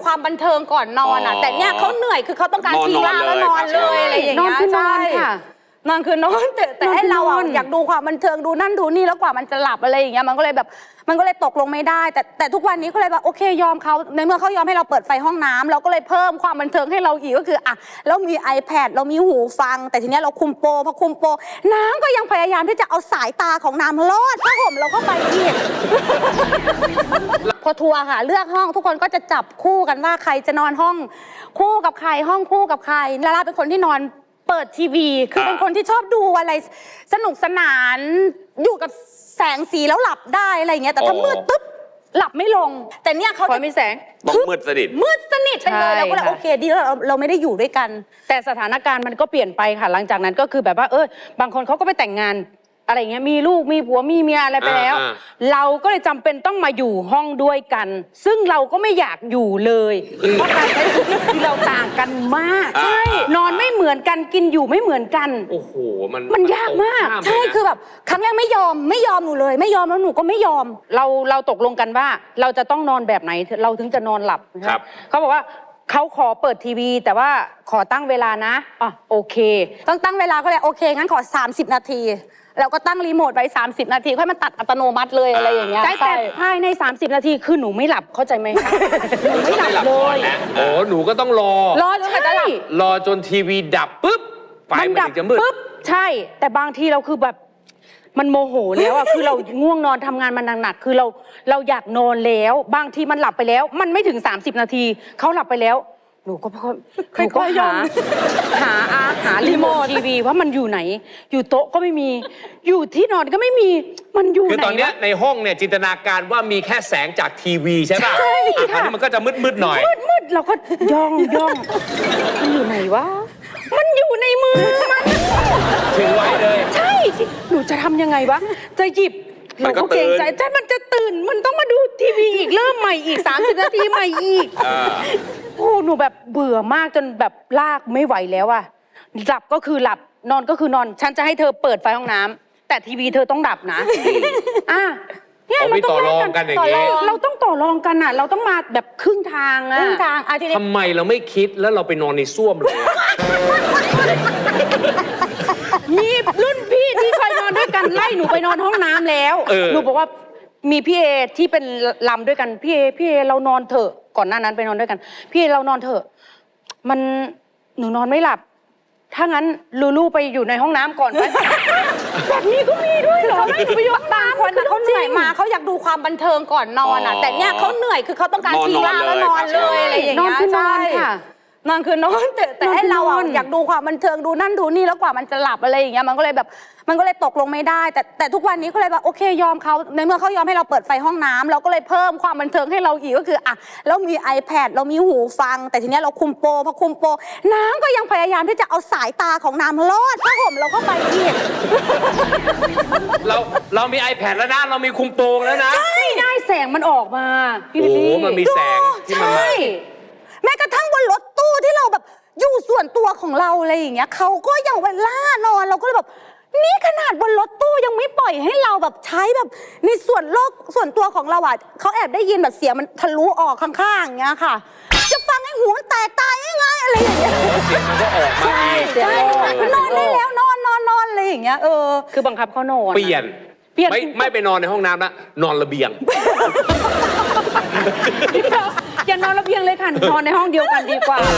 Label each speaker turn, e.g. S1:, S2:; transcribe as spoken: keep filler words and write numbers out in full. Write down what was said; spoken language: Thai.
S1: ความบันเทิงก่อนนอนอ่ะแต่เนี่ยเขาเหนื่อยคือเขาต้องการทิ้งร่างแล้วนอนเลยอะไรอย่างเงี้ย
S2: นอนคือนอนค่ะ
S1: นอนคือนอนแต่แต่ให้เราอะอยากดูความบันเทิงดูนั่นดูนี่แล้วกว่ามันจะหลับอะไรอย่างเงี้ยมันก็เลยแบบมันก็เลยตกลงไม่ได้แต่แต่ทุกวันนี้ก็เลยแบบโอเคยอมเขาในเมื่อเขายอมให้เราเปิดไฟห้องน้ำเราก็เลยเพิ่มความบันเทิงให้เราอีกก็คืออ่ะเรามี iPad เรามีหูฟังแต่ทีเนี้ยเราคุมโปรพอคุมโปรน้ำก็ยังพยายามที่จะเอาสายตาของน้ำลอดผ้าห่มเราเข้าไปอีก พอทัวร์ค่ะเลือกห้องทุกคนก็จะจับคู่กันว่าใครจะนอนห้องคู่กับใครห้องคู่กับใครลาลาเป็นคนที่นอนเปิดทีวีคือเป็นคนที่ชอบดูอะไรสนุกสนานอยู่กับแสงสีแล้วหลับได้อะไรอย่างเงี้ยแต่ถ้ามืดปุ๊บหลับไม่ลงแต่เนี่ยเขาจะ
S2: มีแสง
S3: ต้องมืดสนิท
S1: มืดสนิทไปเลยเราก็เลยโอเคดีแล้วเราเราไม่ได้อยู่ด้วยกัน
S2: แต่สถานการณ์มันก็เปลี่ยนไปค่ะหลังจากนั้นก็คือแบบว่าเออบางคนเขาก็ไปแต่งงานอะไรเงี้ยมีลูกมีผัวมีเมียอะไรไปแล้วเราก็เลยจำเป็นต้องมาอยู่ห้องด้วยกัน ซึ่งเราก็ไม่อยากอยู่เลยเพราะการใช้ชีวิตคือเราต่างกันมากใช่นอนไม่เหมือนกันกินอยู่ไม่เหมือนกัน
S3: โอ้โหมัน
S2: มันยากมาก
S1: ใช่คือแบบครั้งแรกไม่ยอมไม่ยอมหนูเลยไม่ยอมแล้วหนูก็ไม่ยอม
S2: เราเราตกลงกันว่าเราจะต้องนอนแบบไหนเราถึงจะนอนหลับ
S3: ครับ
S2: เขาบอกว่าเขาขอเปิดทีวีแต่ว่าขอตั้งเวลานะอ่ะโอเค
S1: ต้องตั้งเวลาก็เลยโอเคงั้นขอสามสิบนาทีเราก็ตั้งรีโมทไว้สามสิบนาทีค่อยมาตัดอัตโนมัติเลยอะไรอย่างเงี้ย
S2: แต่ภายในสามสิบนาทีคือหนูไม่หลับเข้าใจไหมคะหนูไม่หลับเลย
S3: โอ้หนูก็ต้องรอ
S1: รอจนกว่าจะหลับ
S3: รอจนทีวีดับปุ๊บไฟมันถึงจะมืด
S2: ปุ๊บใช่แต่บางทีเราคือแบบมันโมโหแล้วอ่ะคือเราง่วงนอนทำงานมันหนักๆคือเราเราอยากนอนแล้วบางทีมันหลับไปแล้วมันไม่ถึงสามสิบนาทีเขาหลับไปแล้วหนูก็หนูก็หาหาอาหารีโมททีวีว่ามันอยู่ไหนอยู่โต๊ะก็ไม่มีอยู่ที่นอนก็ไม่มีมันอยู่ไหน
S3: คือตอนนี้ในห้องเนี่ยจินตนาการว่ามีแค่แสงจากทีวีใช่ป่ะใช่ค่ะมันก็จะมืดๆหน่อย
S2: มืดๆเราก็ย่องย่องมันอยู่ไหนวะมันอยู่ในมือมัน
S3: ถือไว้เลย
S2: ใช่หนูจะทำยังไงวะจะหยิบหนูก็เกรงใจใช่มันจะตื่นมันต้องมาดูทีวีอีกเริ่มใหม่อีกสามสิบนาทีใหม่อีกโอ้หนูแบบเบื่อมากจนแบบลากไม่ไหวแล้วอะหลับก็คือหลับนอนก็คือนอนฉันจะให้เธอเปิดไฟห้องน้ำแต่ทีวีเธอต้องดับนะอ่ะ
S3: เนี่ยเราต้องต่อรองกันอย่างนี้
S2: เราต้องต่อรองกันอะเราต้องมาแบบครึ่งทางอะ
S1: ครึ่งทางอะ
S3: ทำไมเราไม่คิดแล้วเราไปนอนในส้วมเลย
S2: มีรุ่นพี่ที่เคยนอนด้วยกันไล่หนูไปนอนห้องน้ำแล้วหนูบอกว่ามีพี่เอที่เป็นลำด้วยกันพี่เอพี่เอเรานอนเถอะก่อนหน้านั้นไปนอนด้วยกันพี่เอเรานอนเถอะมันหนูนอนไม่หลับถ้างั้นลูลูไปอยู่ในห้องน้ำก่อนไหมแบบนี้ก็มีด้วยเหรอไม่ไปอยู่ห้องน้ำ
S1: คนเขาเหนื่อยมาเขาอยากดูความบันเทิงก่อนนอนอ่ะแต่เนี่ยเขาเหนื่อยคือเขาต้องการทิ้งร่างแล้วนอนเลยอะไรอย่างเงี้ย
S2: นอนคือนอนค่ะ
S1: นอนคือนอนแต่แต่ให้เราอะอยากดูความบันเทิงดูนั่นดูนี่แล้วกว่ามันจะหลับอะไรอย่างเงี้ยมันก็เลยแบบมันก็เลยตกลงไม่ได้แต่แต่ทุกวันนี้ก็เลยแบบโอเคยอมเขาในเมื่อเขายอมให้เราเปิดไฟห้องน้ำเราก็เลยเพิ่มความบันเทิงให้เราอีกก็คืออ่ะเรามี iPad เรามีหูฟังแต่ทีเนี้ยเราคุมโปรพอคุมโปรน้ำก็ยังพยายามที่จะเอาสายตาของน้ำลอดผ้าห่มเราเข้าไปอีก
S3: เราเรามี iPad แล้วนะเรามีคุมโปงแล้วนะ
S2: ไม่ได้แสงมันออกมา
S3: โอ้มันมีแสงที่มันมา
S1: แม้กระทั่งบนรถตู้ที่เราแบบอยู่ส่วนตัวของเราอะไรอย่างเงี้ยเขาก็ยังเวลานอนเราก็เลยแบบนี่ขนาดบนรถตู้ยังไม่ปล่อยให้เราแบบใช้แบบในส่วนโลกส่วนตัวของเราอ่ะเขาแอบได้ยินแบบเสียงมันทะลุออกข้างๆอย่างเงี้ยค่ะจะฟังให้หูมันแตกตายง่ายๆอะไรอย่างเงี้ย
S3: เสียงมันก็ออกมา
S1: ใช่นอนได้แล้วนอนนอนนอนอะไรอย่างเงี้ยเออ
S2: คือบังคับเขานอน
S3: เปลี่ยนไม่ไม่ไปนอนในห้องน้ำละนอนระเบียง
S2: อย่านอนระเบียงเลยค่ะนอนในห้องเดียวกันดีกว่า